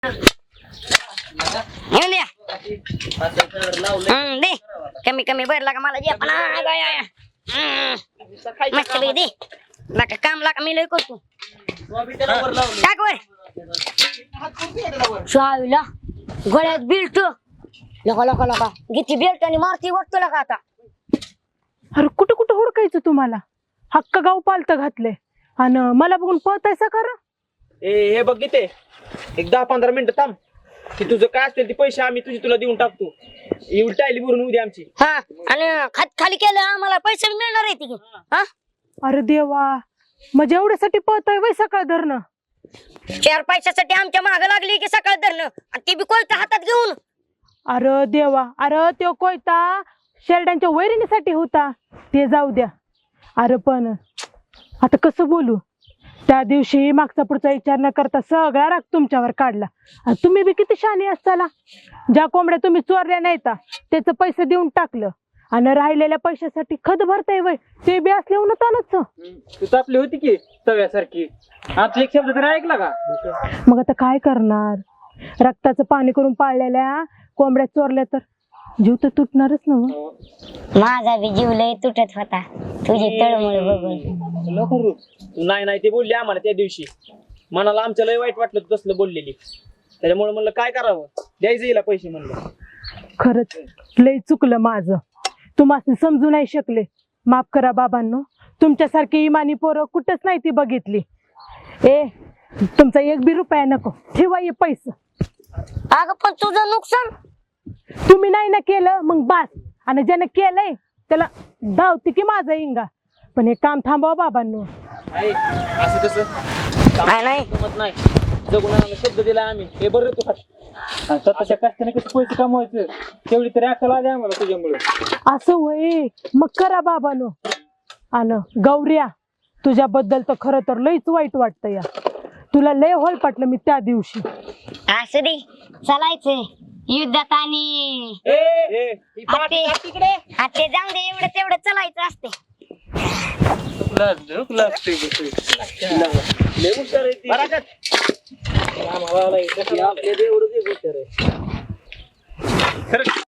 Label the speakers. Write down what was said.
Speaker 1: येऊन द्या. दे कमी कमी भरला का मला जे पण मस्त पैकी दे लाका काम लाका मी लय करतो टाक वर शाळेला गळ्यात बिल्ट लका लका लका किती बेल्ट आणि मारती वाटतो लका आता.
Speaker 2: अरे कुठं कुठं हुडकायचं तुम्हाला? हक्क गाव पालत घातले आणि मला बघून पळतायसा खरं?
Speaker 3: हे बघ गीते, एक 10-15 मिनिटं थांब की तुझं काय असतील ते पैसे आम्ही तुला देऊन टाकतो. एवढी टायली भरून उद्या आमची.
Speaker 1: हा आणि खाली केलं आम्हाला पैसे मिळणार आहे की. हा
Speaker 2: अरे देवा, म्हणजे एवढ्यासाठी पळताय वय सकाळ धरणं?
Speaker 1: 4 पैशासाठी आमच्या माग लागली की सकाळ धरणं आणि ती बी कोयता हातात घेऊन.
Speaker 2: अरे देवा, अरे तो कोयता शेरड्यांच्या वैरणीसाठी होता, ते जाऊ द्या. अरे पण आता कसं बोलू? त्या दिवशी मागचा पुढचा विचार न करता सगळा राग तुमच्यावर काढला. आणि तुम्ही बी किती शहाणी असताला. ज्या कोंबड्या तुम्ही चोरल्या नाहीता त्याचं पैसे देऊन टाकलं आणि राहिलेल्या पैशासाठी खत भरताय वय, ते बी असले उन्हतानच.
Speaker 3: तू तापली होती की तव्यासारखी. आता एक शब्द तरी ऐकला का?
Speaker 2: मग आता काय करणार? रक्ताचं पाणी करून पाळलेल्या कोंबड्या चोरल्या तर जीव तर तुटणारच ना.
Speaker 1: माझा बी जीव लय तुटत होता तुझी तळमळ बघून.
Speaker 3: तू नाही ते बोलली आम्हाला त्या दिवशी. मनाला आमच्या लय वाईट वाटलं तू तसलं बोललेली. त्याच्यामुळे म्हणलं काय करावं, द्यायचं हिला पैसे म्हणलं.
Speaker 2: खरंच लय चुकलं माझं, तुम्हाला समजू नाही शकले. माफ करा बाबांनो, तुमच्यासारखी इमानी पोरं कुठंच नाही ती बघितली. ए तुमचा 1 बी रुपया नको, ठेवा हे पैसे.
Speaker 1: अगं पण तुझं नुकसान
Speaker 2: तुम्ही नाही ना केलं मग बास, आणि ज्याने केलंय त्याला धावते की माझा इंगा. पण हे काम थांबवा बाबांनो.
Speaker 3: असं कसं
Speaker 1: नाही
Speaker 3: जमत नाही. जगून शब्द दिला आम्ही. हे बरं तू स्वतःच्या कष्टाने कसं पैसे कमवायचं तेवढी तरी अक्कल आली आम्हाला तुझ्यामुळे.
Speaker 2: असं होय, मग करा बाबांनो. आणि गौऱ्या, तुझ्याबद्दल तर खरं तर लईच वाईट वाटतं या. तुला लय होल पटलं मी त्या दिवशी.
Speaker 1: असू दे, चालायचंय युद्धात आणि ते जाऊ दे, एवढं तेवढं चालायचं असते.
Speaker 3: आपल्या एवढं हुशार आहे.